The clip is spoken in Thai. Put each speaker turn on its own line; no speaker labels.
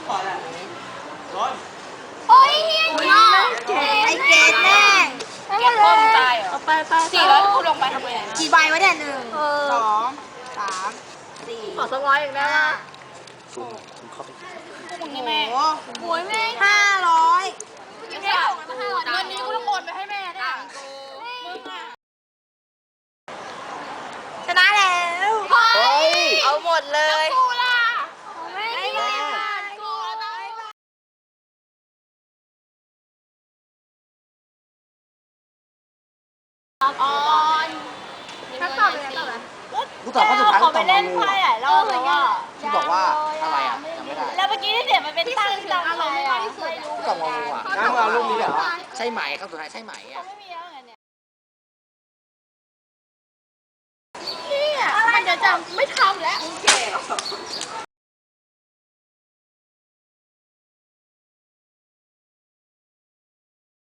โอ้ยเฮียไอเกดแน่เก็บข้อมตายเหรอไป400คูณลงไปทำไงกี่ใบวะเนี่ย1 2 3 4ขอ200อีกได้ป่ะ
ซูมเข้าไป
พวกนี้แม่โอ้ยแม่500ยังได้ของมา500เงินนี้กูต้องโอนไปให้แม่เนี่ยมึงอะชนะแล้วเอาหมดเลยกูล่ะไม่ได้กูออนถ้าตอบเป็นอะไร
กูตอบข้อสุดท้ายกูตอบมาเลย
รอบเลยอ่ะ
ที่บอกว่าอะไรอ่ะจำไม่ได้
แล้วเมื่อกี้ที่เสียมันเป็นตั้งอารมณ์ไม่ได้ที่สุด
กูตอบงงอ่ะ
งั้นมารูปนี้เหรอ
ใช่ไหมครับสุดท้ายใช่ไหมอ่ะ
ไม่มีแล้วไงเนี่ยมันจะจำไม่ทำแล้ว